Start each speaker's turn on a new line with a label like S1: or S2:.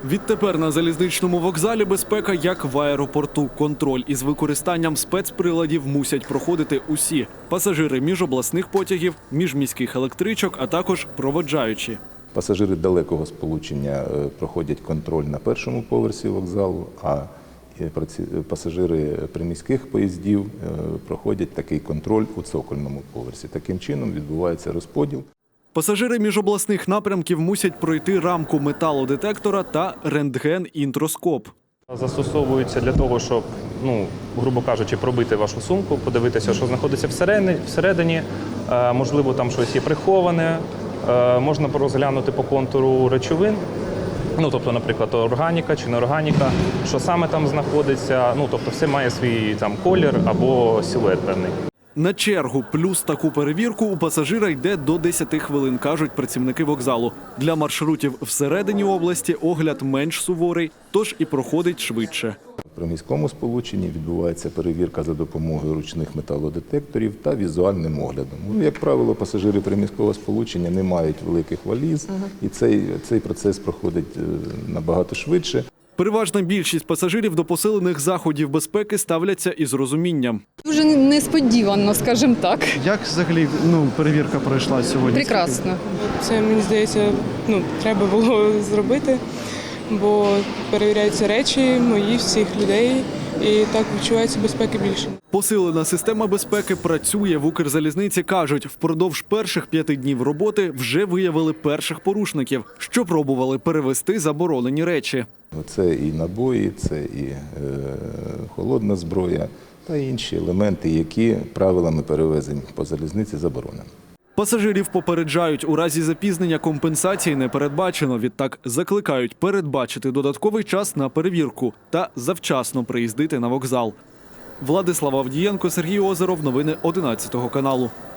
S1: Відтепер на залізничному вокзалі безпека як в аеропорту. Контроль із використанням спецприладів мусять проходити усі – пасажири міжобласних потягів, міжміських електричок, а також проводжаючі.
S2: Пасажири далекого сполучення проходять контроль на першому поверсі вокзалу, а пасажири приміських поїздів проходять такий контроль у цокольному поверсі. Таким чином відбувається розподіл.
S1: Пасажири міжобласних напрямків мусять пройти рамку металодетектора та рентген-інтроскоп.
S3: Застосовуються для того, щоб, грубо кажучи, пробити вашу сумку, подивитися, що знаходиться всередині, можливо, там щось є приховане, можна розглянути по контуру речовин, тобто, наприклад, органіка чи неорганіка, що саме там знаходиться, тобто все має свій там колір або силует певний.
S1: На чергу плюс таку перевірку у пасажира йде до 10 хвилин, кажуть працівники вокзалу. Для маршрутів всередині області огляд менш суворий, тож і проходить швидше.
S2: При міському сполученні відбувається перевірка за допомогою ручних металодетекторів та візуальним оглядом. Як правило, пасажири приміського сполучення не мають великих валіз, і цей процес проходить набагато швидше.
S1: Переважна більшість пасажирів до посилених заходів безпеки ставляться із розумінням.
S4: Дуже несподівано, скажімо так.
S5: Як взагалі перевірка пройшла сьогодні?
S4: Прекрасно.
S6: Це, мені здається, треба було зробити, бо перевіряються речі мої, всіх людей, і так відчувається безпеки більше.
S1: Посилена система безпеки працює в Укрзалізниці, кажуть. Впродовж перших 5 днів роботи вже виявили перших порушників, що пробували перевезти заборонені речі.
S2: Це і набої, це і холодна зброя та інші елементи, які правилами перевезень по залізниці заборонені.
S1: Пасажирів попереджають, у разі запізнення компенсації не передбачено. Відтак закликають передбачити додатковий час на перевірку та завчасно приїздити на вокзал. Владислав Авдієнко, Сергій Озеров. Новини 11 каналу.